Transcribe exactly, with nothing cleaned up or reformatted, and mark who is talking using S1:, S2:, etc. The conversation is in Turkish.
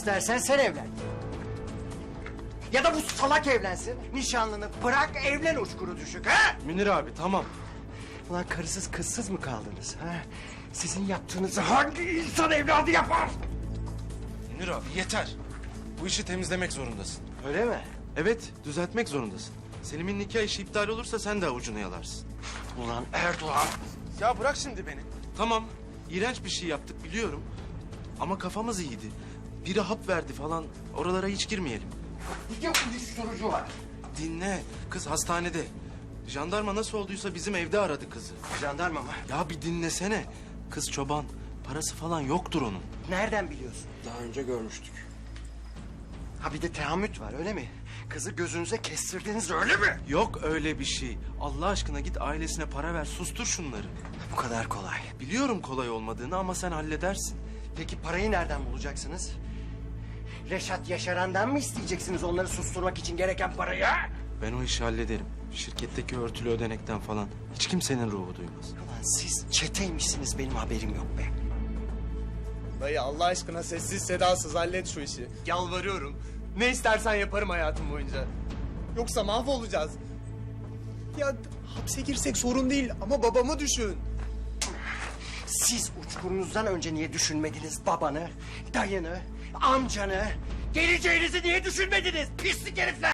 S1: İstersen sen evlen. Ya da bu salak evlensin. Nişanlını bırak evlen uçkuru düşük ha?
S2: Münir abi tamam.
S1: Ulan karısız kızsız mı kaldınız ha? Sizin yaptığınızı hangi insan evladı yapar?
S2: Münir abi yeter. Bu işi temizlemek zorundasın.
S1: Öyle mi?
S2: Evet, düzeltmek zorundasın. Selim'in nikah işi iptal olursa sen de avucunu yalarsın.
S1: Ulan Erdoğan.
S2: Ya bırak şimdi beni. Tamam, iğrenç bir şey yaptık biliyorum. Ama kafamız iyiydi. Biri hap verdi falan, oralara hiç girmeyelim.
S1: Bir de uyuşturucu var.
S2: Dinle, kız hastanede. Jandarma nasıl olduysa bizim evde aradı kızı.
S1: Jandarma mı?
S2: Ya bir dinlesene. Kız çoban, parası falan yoktur onun.
S1: Nereden biliyorsun?
S2: Daha önce görmüştük.
S1: Ha bir de teamüt var öyle mi? Kızı gözünüze kestirdiniz öyle mi?
S2: Yok öyle bir şey. Allah aşkına git ailesine para ver, sustur şunları.
S1: Bu kadar kolay.
S2: Biliyorum kolay olmadığını ama sen halledersin.
S1: Peki parayı nereden bulacaksınız? Reşat Yaşaran'dan mı isteyeceksiniz onları susturmak için gereken parayı?
S2: Ben o işi hallederim. Şirketteki örtülü ödenekten falan. Hiç kimsenin ruhu duymaz.
S1: Ulan siz çeteymişsiniz benim haberim yok be.
S3: Dayı Allah aşkına sessiz sedasız hallet şu işi. Yalvarıyorum. Ne istersen yaparım hayatım boyunca. Yoksa mahvolacağız. Ya hapse girsek sorun değil ama babamı düşün.
S1: Siz uçkurunuzdan önce niye düşünmediniz babanı, dayını, amcanı, geleceğinizi niye düşünmediniz pislik herifler?